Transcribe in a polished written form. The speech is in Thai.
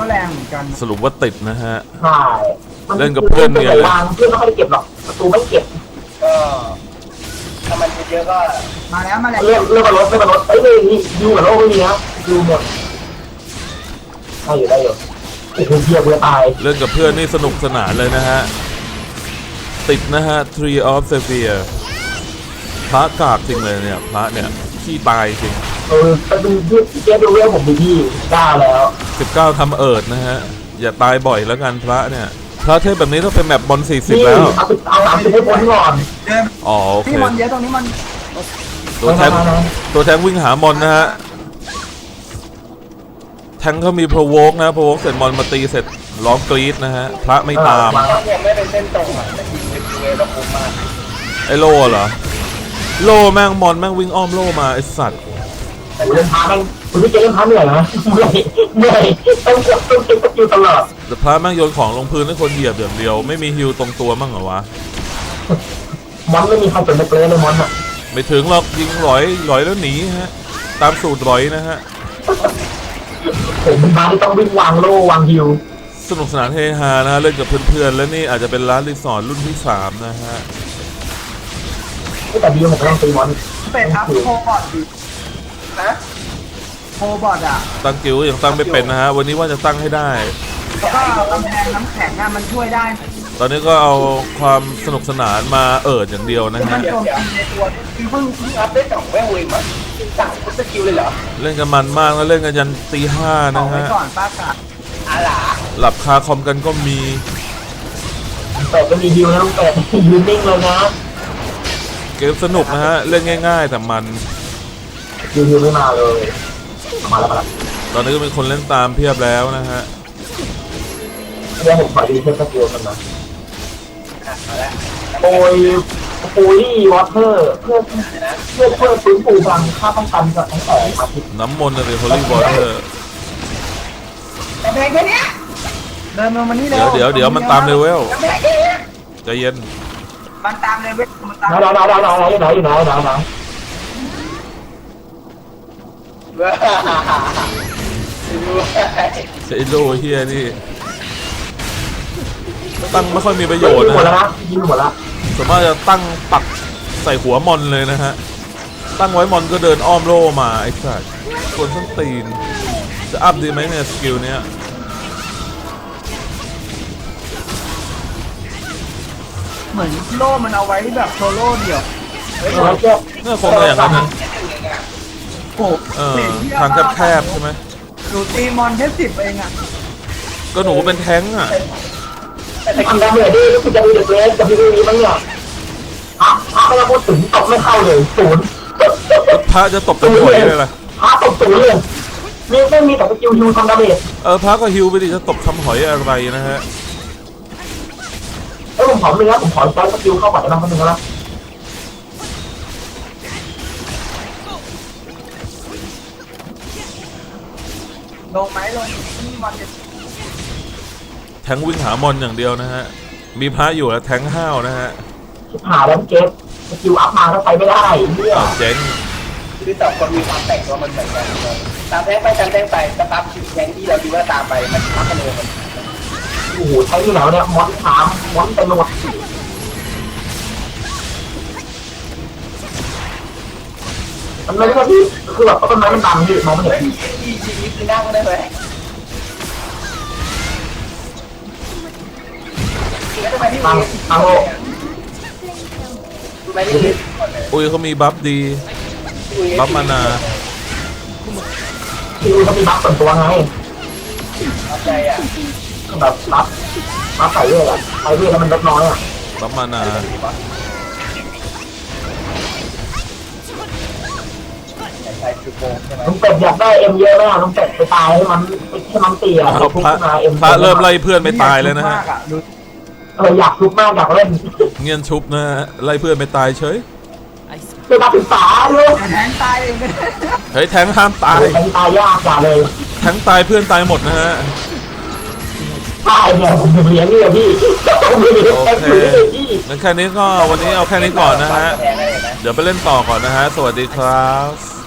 ก็แรงเหมือนกันสรุปว่าติดนะฮะใช่เล่นกับเพื่อนเนี่ยวางเพื่อนไม่ค่อยได้เก็บหรอกประตูไม่เก็บก็ถ้ามันเยอะก็มาแล้วเรื่องมาลดเอ้ยนี่ยูกับโลกไม่มีนะยูหมดได้อยู่โอ้โหเพียบเลยตายเล่นกับเพื่อนนี่สนุกสนานเลยนะฮะติดนะฮะ Tree of Sapphire พระกากจริงเลยเนี่ยพระเนี่ยขี้ตายจริงไปดูเจ๊ดูเรื่องผมดีพี่ได้แล้ว 19ทำเอิดนะฮะอย่าตายบ่อยแล้วกันพระเนี่ยพระเทพแบบนี้ต้องเป็นแบบบอล40แล้วเอา30ให้พ้นก่อนอ๋อโอเคนี่มันเยอะตรงนี้มันตัวแทงวิ่งหามอนนะฮะแทงเขามีโปรโวกนะโปรโวกเสร็จมอนมาตีเสร็จร้องกรี๊ดนะฮะพระไม่ตามยังไม่เป็นเส้นตรงอ่ะแต่ยิงเป็นเวแล้วผมมาไอโลเหรอโลแม่งมอนแม่งวิ่งอ้อมโลมาไอสัตว์เล่นพาแม่งคุณพี่เจเล่นพาเหนื่อยนะเมื่อยต้องกดต้องเก็บสกิลตลอดแต่พระแม่งโยนของลงพื้นให้คนเหยียบอย่างเดียวไม่มีฮิวตรงตัวมั่งเหรอวะมอนไม่มีใครเป็นนักเล่นเลยมอนอะไม่ถึงหรอกยิงหลอยแล้วหนีฮะตามสูตรหลอยนะฮะผมเป็นบ้าที่ต้องวิ่งวางโล่วางฮิวสนุกสนานเฮฮานะเล่นกับเพื่อนๆและนี่อาจจะเป็นร้านรีสอร์ทรุ่นที่3นะฮะแต่ดีผมก็ต้องตีมอนเป็นอัพโคบอทนะโคบอทอ่ะตั้งกิ้วยังตั้งไม่เป็นนะฮะวันนี้ว่าจะตั้งให้ได้แล้วก็กำแพงน้ำแข็งมันช่วยได้ตอนนี้ก็เอาความสนุกสนานมาอย่างเดียวนะฮะคือเพิ่งอัพได้2แม่งเวงมั้งสั่งพุทธคิวเลยเหรอเล่นกันมันมากแล้วเล่นกันยันตี 5นะฮะก่อนป้ากะหลับคาคอมกันก็มีแต่ก็มีฮิวนะต้องแต่ยืนนิ่งเลยนะเกมสนุกนะฮะเล่นง่ายๆแต่มันฮิวไม่มาเลยมาแล้วตอนนี้ก็มีคนเล่นตามเพียบแล้วนะฮะเดี๋ยวผมขอดีเช็คสกิลกันนะโอ้ยวอเตอร์เพื่อฟื้นฟูพลังค่าป้องกันจากทั้งแต่อาทิตย์น้ำมนต์เลยโฮลี่วอเตอร์แต่เพลงแค่นี้เดินมานี่เดี๋ยวมันตามเลเวลใจเย็นมันตามเลเวลมันตามไหนเซโลเฮียนี่ตั้งไม่ค่อยมีประโยชน์นะยิงหมดแล้วส่วนมากจะตั้งปักใส่หัวมอนเลยนะฮะตั้งไว้มอนก็เดินอ้อมโล่มาไอ้สัสคนส้นตีนจะอัพดีไหมเนี่ยสกิลเนี้ยเหมือนโล่มันเอาไว้แบบโซโล่เดี่ยวเนี่ยคงจะอย่างนั้นนะทางแคบๆใช่ไหมหนูตีมอนแค่10เองอ่ะก็หนูเป็นแท้งอ่ะทำได้เหนื่อยดิคุณจะมีเด็กเล็กจะมีเรื่องนี้บ้างเนี่ยไม่ต้องพูดถึงตบไม่เข้าเลย0 พระจะตบเป็นหวยเลยล่ะพระตบ0เลยไม่มีแต่สกิลฮิวทำดาเมจพระก็ฮิวไปดิจะตบทำหอยอะไรนะฮะผมขอเลยนะผมขอใช้สกิลเข้าไปนะคนนึงนะลงไหมลงมอนแทงวิ่งหามอนอย่างเดียวนะฮะมีพระอยู่แล้วแทงห้าวนะฮะหาแล้วเก็บสกิลอัพมาถ้าไปไม่ได้เนี่ยเจ๊งคือต่อคนมีความแต่งตัวมันเหมือนกันตามแทงไปสตาร์ทแทงที่เราดูว่าตามไปมันทับกันเลยโอ้โหใช้ที่แล้วเนี่ยมอนถามมอนเป็นหมดมันไม่ใช่ที่คือแบบต้นไม้มันบังที่มองไม่เห็นชีวิตคือนั่งได้ไหมฟังโลอุ้ยเขามีบัฟดีบัฟมานาคือเขามีบัฟส่วนตัวไงแบบบัฟใส่เรื่อยอะใส่เรื่อยแล้วมันลดน้อยอะบัฟมานาลุงเป็ดอยากได้เอ็มเยอะไหมลุงเป็ดไปตายให้มันตีอะพระเริ่มไล่เพื่อนไม่ตายเลยนะฮะอยากชุบมากอยากเล่นเงียนชุบนะไล่เพื่อนไม่ตายเฉยเป็นการศึกษาเลยแทงตายเองเฮ้ยแทงห้ามตายแทงตายยากกว่าเลยแทงตายเพื่อนตายหมดนะฮะตายเนี่ยผมเลี้ยงเนี่ยพี่โอเคงั้นแค่นี้ก็วันนี้เอาแค่นี้ก่อนนะฮะเดี๋ยวไปเล่นต่อก่อนนะฮะสวัสดีครับ